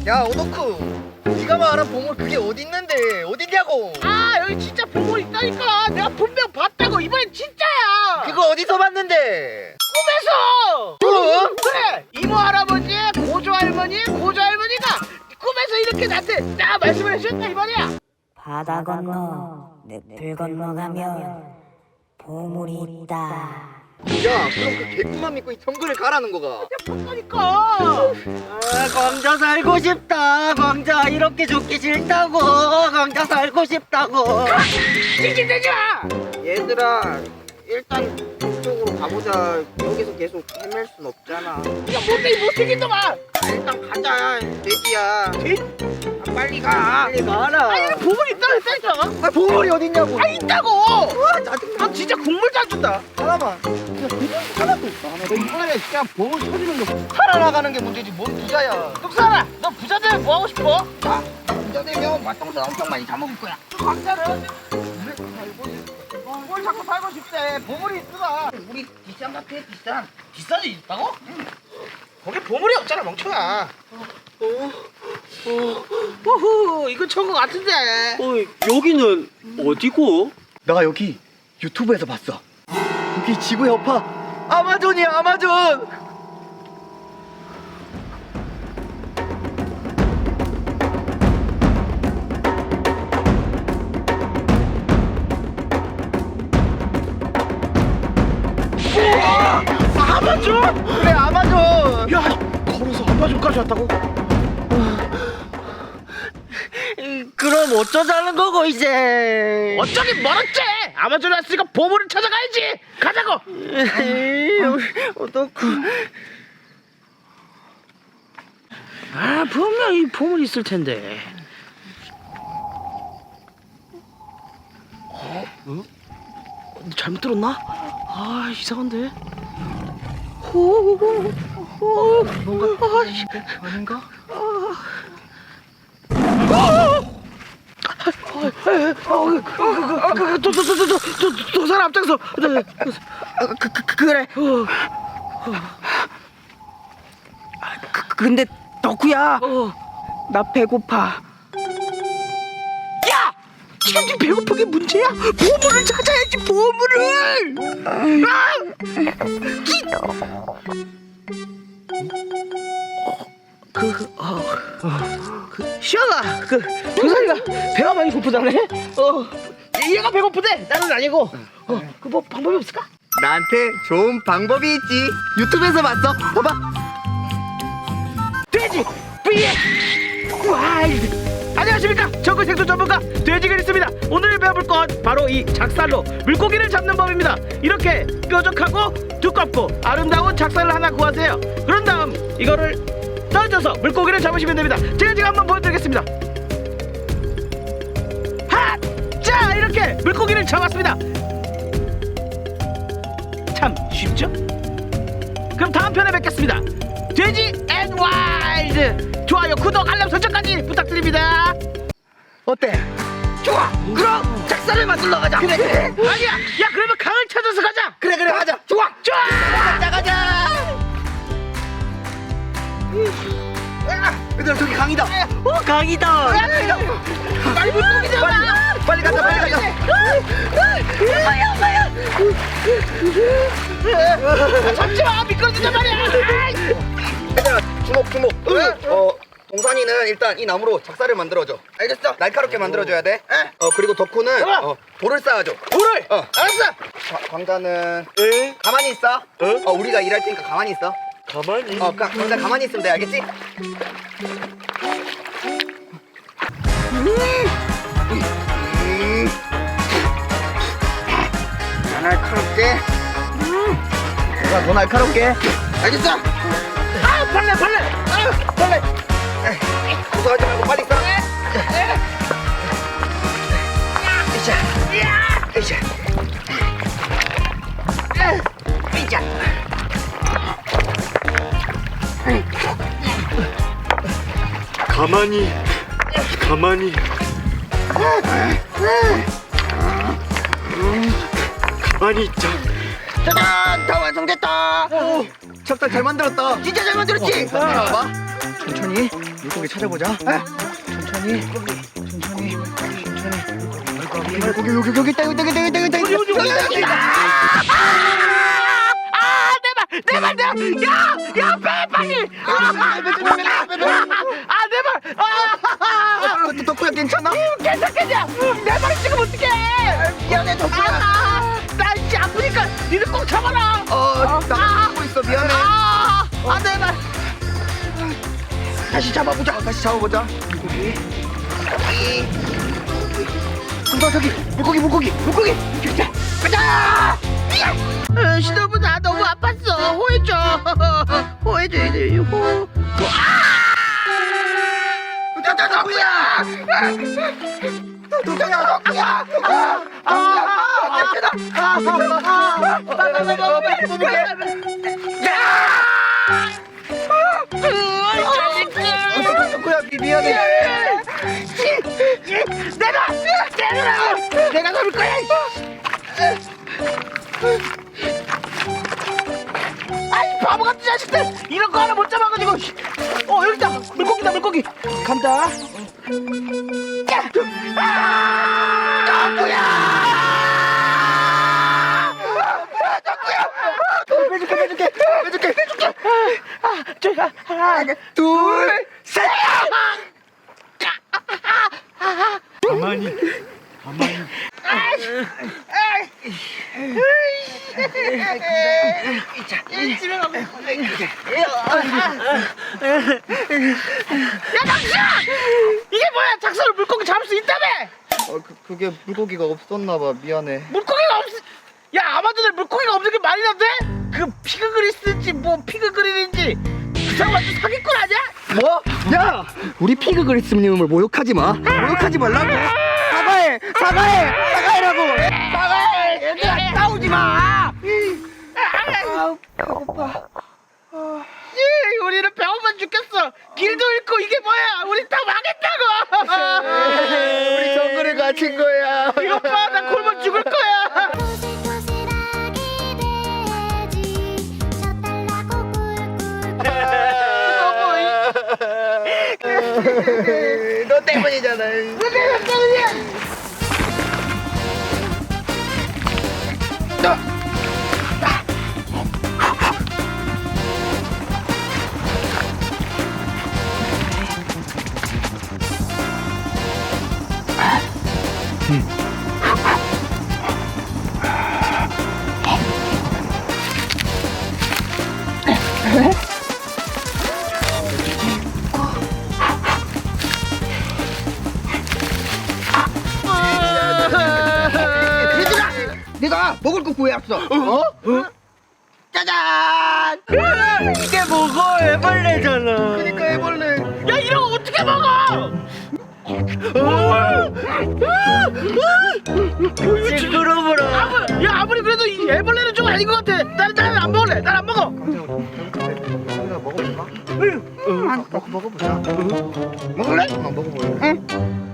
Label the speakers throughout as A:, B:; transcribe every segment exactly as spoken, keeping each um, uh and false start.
A: 야 오덕후, 네가 말한 보물 그게 어디 있는데 어디냐고.
B: 아 여기 진짜 보물 있다니까. 내가 분명 봤다고. 이번엔 진짜야.
A: 그거 어디서 봤는데?
B: 꿈에서.
A: 꿈?
B: 그래. 이모 할아버지, 고조 할머니, 고조 할머니가 꿈에서 이렇게 나한테 딱 말씀을 해주셨다 이 말이야.
C: 바다 건너 늪을 건너가면 보물이 있다.
A: 야 그럼 그 개꿈만 믿고 이 정글을 가라는 거가.
B: 봤다니까.
D: 아, 광자 살고 싶다. 광자 이렇게 죽기 싫다고. 광자 살고 싶다고.
B: 찡찡대지 마.
D: 얘들아, 일단 이쪽으로 가보자. 여기서 계속 헤맬 순 없잖아.
B: 야 못되긴 못되긴 너 말.
D: 아, 일단 가자. 돼지야.
B: 돼?
D: 아, 빨리 가. 빨리 가라.
B: 아니 보물 있다 했다니까.
D: 아, 보물이 어딨냐고.
B: 아 있다고.
D: 아, 짜증나.
B: 너 진짜 국물도 안 준다.
D: 하나만. 하나도 없어. 하나도 없어.
A: 이번에 그냥 보물 터지는 거 살아나가는 게 문제지 뭔 부자야.
B: 뚝사라, 너 부자 되면 뭐 하고 싶어?
D: 아, 부자 되면 맛동산 엄청 많이 사 먹을 거야.
B: 광자는 뭘 자꾸 살고 싶대. 보물이 있으라.
D: 우리 비싼 같아, 비싼.
B: 비싼 일 있다고? 응. 거기 보물이 없잖아 멍청아. 어, 어, 호호, 이거 좋은 거 같은데.
D: 어, 여기는 어디고?
A: 나 여기 유튜브에서 봤어. 여기 지구의 여파 아마존이야 아마존.
B: 아마존?
A: 그래 아마존.
B: 야, 걸어서 아마존까지 왔다고?
D: 그럼 어쩌자는 거고 이제.
B: 어쩌긴 멀었지. 아마존에 왔으니까 보물을 찾아가야지. 가자고.
D: 어떡해.
B: 아, 분명히 보물이 있을 텐데. 어? 응? 잘못 들었나? 아, 이상한데. 호, 호, 뭔가 아, 씨.
A: 아닌가?
B: 두 사람 앞장서.
D: 그, 그, 그, 그래. 그, 근데 덕후야, 나 배고파.
B: 야! 지금 네 배고픈 게 문제야? 보물을 찾아야지, 보물을! 그, 어, 그, 시아가, 그, 도사리가 배가 많이 고프다네? 어, 얘가 배고프대! 나는 아니고. 어, 그 뭐 방법이 없을까?
A: 나한테 좋은 방법이 있지. 유튜브에서 봤어. 봐봐.
B: 돼지 vs 와일드. 안녕하십니까, 정글 생존 전문가 돼지그리스입니다. 오늘 배워볼 건 바로 이 작살로 물고기를 잡는 법입니다. 이렇게 뾰족하고 두껍고 아름다운 작살을 하나 구하세요. 그런 다음 이거를 던져서 물고기를 잡으시면 됩니다. 제가 지금 한번 보여드리겠습니다. 하! 자, 이렇게 물고기를 잡았습니다. 참 쉽죠? 그럼 다음 편에 뵙겠습니다. 돼지 앤 와일드. 좋아요, 구독, 알람 설정까지 부탁드립니다.
A: 어때?
D: 좋아. 그럼 작살을 만들러 가자.
A: 그래 그래.
B: 아니야, 야 그러면 강을 찾아서 가자.
A: 그래 그래 가자.
B: 좋아, 좋아.
A: 가자 가자. 얘들아 저기 강이다.
D: 어, 강이다.
B: 빨리 물고기잖아.
A: 빨리 가자 빨리 가자.
B: 잡지 마, 미끄러진단 말이야. 아이.
A: 얘들아 주목 주목. 어 동산이는 일단 이 나무로 작살을 만들어줘. 알겠어? 날카롭게 만들어줘야 돼. 어 그리고 덕후는 어, 돌을 쌓아줘.
B: 돌을.
A: 어.
B: 알았어.
A: 과- 광자는 가만히 있어. 어 우리가 일할 테니까 가만히 있어.
D: 가만히.
A: 어 가, 광자 가만히 있으면 돼. 알겠지? 음. 자, 날카롭게. 내가 더 날카롭게. 알겠어?
B: 아, 벌레, 벌레. 아, 벌레.
A: 고소하지 말고 빨리 써. 으쌰. 으쌰. 으쌰.
E: 가만히 가만히 가만히 있자.
D: 짜잔, 다 완성됐다.
A: 오, 작살 잘 만들었다.
D: 진짜 잘 만들었지.
A: 어, 따라와봐. 천천히. 물고기 찾아보자. 에? 천천히, 천천히, 천천히. 물고기, 물고기, 여기, 여기 있다, 여기 있다, 여기 있다, 여기 있다, 여기 있다, 여기 있다.
B: 내발 내발 내 야야 배 빨리 아내발 아
A: 덕구야 괜찮아?
B: 괜찮겠냐 내 발이 지금 어떡해
A: 미안해 덕구야.
B: 나 이제 아프니까 니들 꼭 잡아라
A: 어, 나 하고 있어 미안해.
B: 아내 발
A: 다시 잡아보자. 다시 잡아보자. 물고기. 물고기. 저기 물고기 물고기 물고기. 가자 가자.
B: 어, 신호부 나 너무 아팠어 호해줘 호해줘 이제 호
A: 덕구야 덕구야. 덕구야 덕구야. 덕구야 미안해.
B: 내가 내가 내가 잡을 거야 아이 바보같은 자식들 이런 거 하나 못 잡아가지고 어 여기다 물고기다 물고기 간다
A: 빼줄게 빼줄게 빼줄게 빼줄게.
B: 아, 저, 하나
A: 둘 셋.
E: 가만히 가만히
B: 집에 가고 야 당신아 이게 뭐야 작사로 물고기 잡을 수 있다며
A: 어, 그, 그게 물고기가 없었나봐 미안해.
B: 물고기가 없 야 아마존에 물고기가 없는 게 말이 안 돼? 그 피그그리스인지 뭐 피그그린인지 그 사람 완전 사기꾼 아니야?
A: 뭐? 야! 우리 피그 그리스님을 모욕하지 마. 모욕하지 말라고. 사과해! 사과해! 사과해라고!
B: 나가 얘들아 싸우지 마
A: 아우, 배고파.
B: 예, 우리는 배고파 죽겠어 길도 잃고 이게 뭐야 우리 다 망했다고
A: 우리 정글에 갇힌 거야.
B: 이것 봐나 굶어 죽을 거야
A: 너 때문이잖아. 네가 먹을 거 구해왔어. 어? 어? 짜잔!
D: 이게 뭐고 애벌레잖아.
A: 그러니까 해볼래.
B: 야 이런 거 어떻게 먹어
D: 시끄러워라.
B: 아무, 야 아무리 그래도 이 애벌레는 좀 아닌 것 같아 나는 나는 안 먹을래 난 안 먹어
A: 우리가 먹어볼까? 응. 아, 먹 먹어보자. 먹을래? 어, 먹어볼래. 응.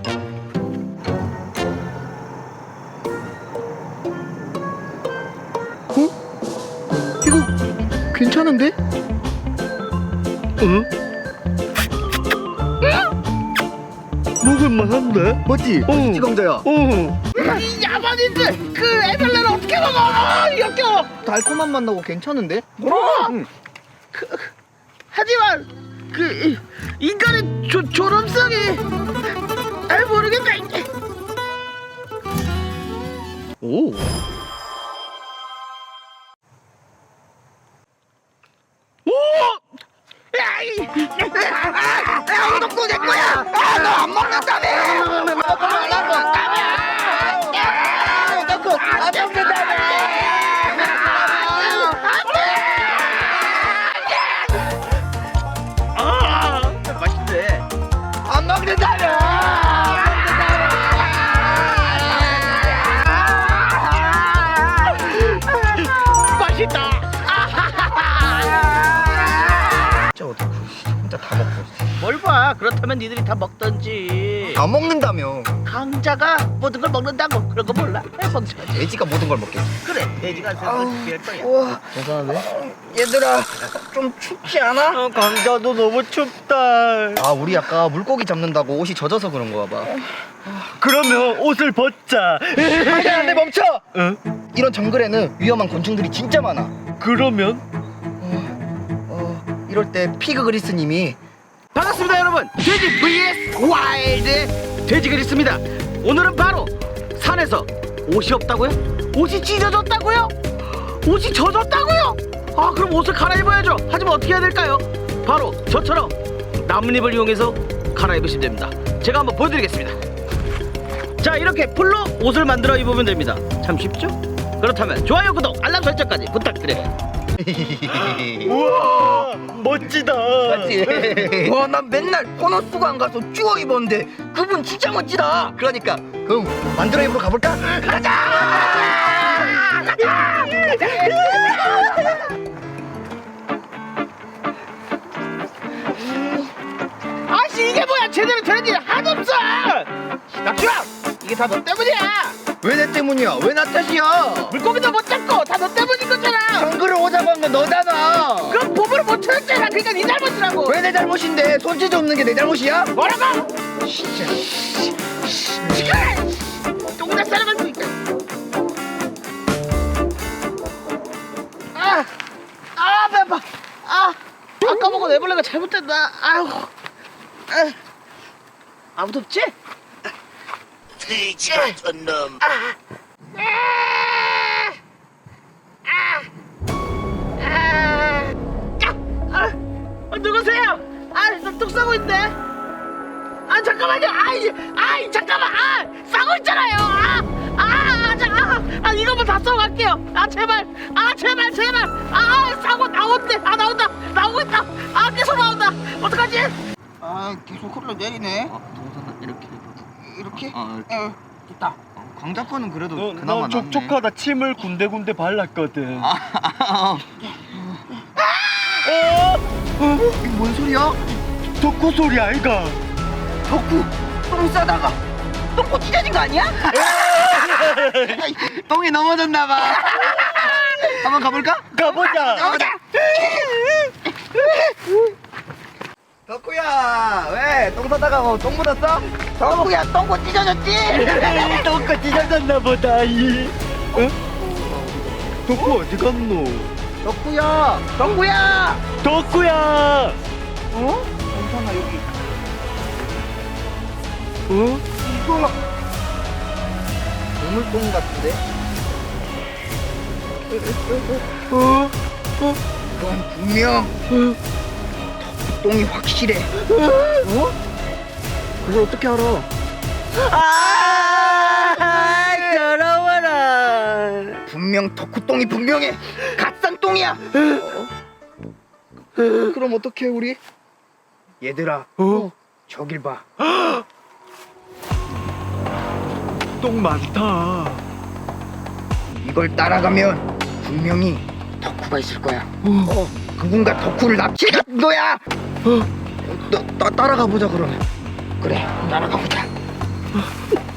A: 어? 이거 괜찮은데?
E: 응? 먹을만한데?
A: 맞지?
E: 어.
A: 맛있지 강자야?
E: 어.
B: 이 야만인들 그 애벌레를 어떻게 먹어 역겨워
A: 달콤한 맛 나고 괜찮은데?
B: 뭐?
A: 응.
B: 그, 하지만 그 이- 인간의 조, 존엄성이 잘 모르겠다 이게.
A: 오.
B: 오! 야, 이-
A: 야, 덕구 내 거야. 아, 너 안 먹는다며. 먹고 말라고. 야, 덕구 안 먹는다며.
B: 아, 맛있네.
A: 안 먹는다며.
B: 거야. 그렇다면 니들이 다 먹던지.
A: 안 먹는다며.
B: 강자가 모든 걸 먹는다고. 그런 거 몰라? 멍청하지.
A: 돼지가 모든 걸 먹겠지.
B: 그래, 돼지가 생각을 죽게 할 거야.
A: 우와.
E: 괜찮은데?
A: 얘들아, 좀 춥지 않아?
E: 어, 강자도 너무 춥다.
A: 아, 우리 아까 물고기 잡는다고 옷이 젖어서 그런 거야 봐.
E: 그러면 옷을 벗자.
A: 안돼 안돼 멈춰.
E: 응?
A: 이런 정글에는 위험한 곤충들이 진짜 많아.
E: 그러면
A: 어, 어 이럴 때 피그 그리스님이
B: 반갑습니다, 여러분. 돼지 vs 와일드 돼지 그리스입니다. 오늘은 바로 산에서 옷이 없다고요? 옷이 찢어졌다고요? 옷이 젖었다고요? 아, 그럼 옷을 갈아입어야죠. 하지만 어떻게 해야 될까요? 바로 저처럼 나뭇잎을 이용해서 갈아입으시면 됩니다. 제가 한번 보여드리겠습니다. 자, 이렇게 풀로 옷을 만들어 입으면 됩니다. 참 쉽죠? 그렇다면 좋아요, 구독, 알람 설정까지 부탁드려요.
E: 우와 멋지다.
A: 맞지? 와, 난 맨날 보너스가 안 가서 쭈어 입었는데 그분 진짜 멋지다. 그러니까 그럼 만들어 입으러 가볼까? 가자! 가자!
B: 아씨, 이게 뭐야? 제대로 되는 일이 하나도 없어. 낙주야, 이게 다 너 때문이야.
A: 왜 내 때문이야? 왜 나 탓이야?
B: 물고기도 못 잡고 다 너 때문인 거잖아.
A: 정글을 오자고 한 건 너잖아.
B: 그럼 보물을 못 찾았잖아. 그러니까 네 잘못이라고.
A: 왜 내 잘못인데? 손재주 없는 게 내 잘못이야?
B: 뭐라고? 진짜. 시끄러. 똥나 싸려가지고 있다. 아, 아, 배 아파. 아, 아까 먹은 애벌레가 잘못됐다. 아유, 아, 아무도 없지?
D: 돼지 같은 놈.
B: 아, 아, 아, 아, 아, 누구세요? 아, 나뚝 싸고 있네. 아, 잠깐만요. 아이, 아이, 잠깐만. 아, 싸고 있잖아요. 아, 아, 아, 자, 아, 아, 이거만 다 싸고 갈게요. 아, 제발. 아, 제발, 제발. 아, 싸고 나온대. 아, 나온다. 나오고 있다. 아, 계속 나온다. 어떡하지?
A: 아, 계속 흘러내리네.
E: 이렇게.
A: 이렇게?
E: 아, 이렇게.
A: 어, 됐다. 광자 거는 그래도
E: 너,
A: 그나마
E: 너 촉촉하다. 침을 군데군데 발랐거든.
A: 아, 아, 아. 어, 이게 뭔 소리야?
E: 덕후 소리 아이가.
A: 덕후 똥 싸다가 똥꼬 찢어진 거 아니야? 아이, 똥이 넘어졌나 봐. 한번 가볼까?
E: 가보자.
A: 가보자. 덕후야, 왜 똥 싸다가 뭐 똥 묻었어? 덕후야, 똥꼬 찢어졌지?
E: 똥꼬 찢어졌나 보다. 이. 어? 덕후 어디 갔노?
A: 덕후야, 덕후야.
E: 덕후야.
A: 어? 괜찮아 여기.
E: 어?
A: 이거 보물똥 같은데?
E: 어? 어?
A: 이건 분명 똥이 확실해. 어? 그걸 어떻게 알아?
D: 아, 더러워라.
A: 분명 덕후똥이 분명해. 갓산 똥이야. 어? 그럼 어떻게 우리? 얘들아,
E: 어?
A: 저길 봐.
E: 똥 많다.
A: 이걸 따라가면 분명히 덕후가 있을 거야. 어, 그분과 덕후를 납치한 거야. 어, 나, 나 따라가 보자 그러면. 그래, 따라가 보자.